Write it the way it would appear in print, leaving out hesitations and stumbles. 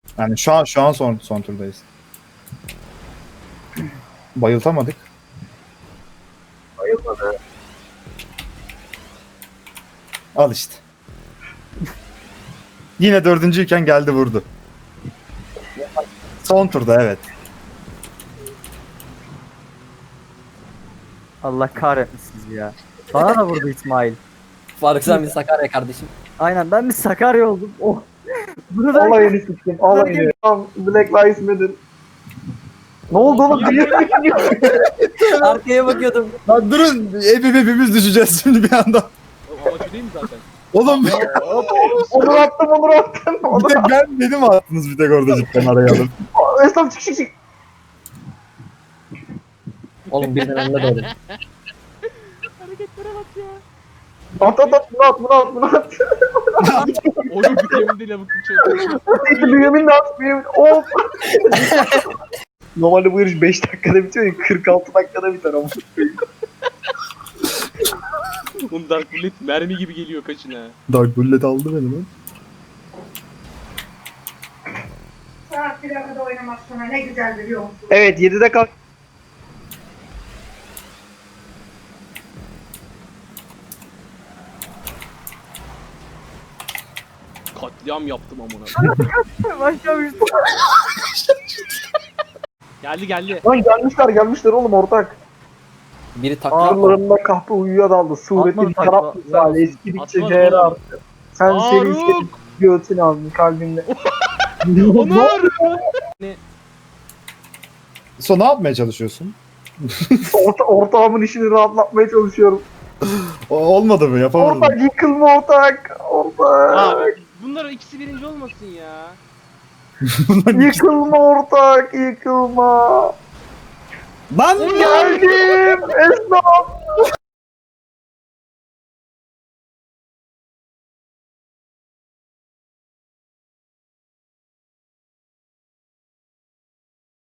Yani şu an son turdayız. Bayıltamadık. Bayılmadı. Al işte. Yine dördüncüyken geldi vurdu. Son turda evet. Allah kahretmesin sizi ya. Bana da vurdu İsmail. Faruk sen bir Sakarya kardeşim. Aynen ben bir Sakarya oldum. Oh. Bunu ben Alayını siktim. Alayını. Tamam. Black Lives Matter. Ne oldu oğlum? Arkaya bakıyordum. Lan durun hepimiz düşeceğiz şimdi bir anda. O amacı değil mi zaten? Oğlum Onur attım, Onur attım. bir Onur tek ben dedim attınız bir tek orada cidden araya alıp. Esnaf çık çık çık. Oğlum birden önüne doğdum. Hareketlere bak ya. At at at, bunu at, bunu at, bunu at. Oyun bitiyor değil lavuk çok. Bünyamin de at, Bünyamin. Of. Normalde bu yarış 5 dakikada bitiyor ya, 46 dakikada biter ama. Oğlum Dark Bullet mermi gibi geliyor kaçına. Dark Bullet aldı beni lan. Saat plakada oynamak sana ne güzel biliyor musun? Evet, 7'de kalk. Katliam yaptım amına. başlamıştım. Geldi. Lan gelmişler oğlum ortak. Biri takla. Ağırlarında kahpe uyuya daldı. Suretin Atmadı taraf takla. misali eskidikçe Atmadı değer oğlum. arttı. Sen senin Faruk! senin göğsünü aldın kalbimde. Onur! So ne yapmaya çalışıyorsun? Ortağımın işini rahatlatmaya çalışıyorum. Olmadı mı yapamadım. Ortak yıkılma ortak. Ortak. Abi bunlar ikisi birinci olmasın ya. Yıkılma ortak, yıkılma. Lan Geldim. Esnaf.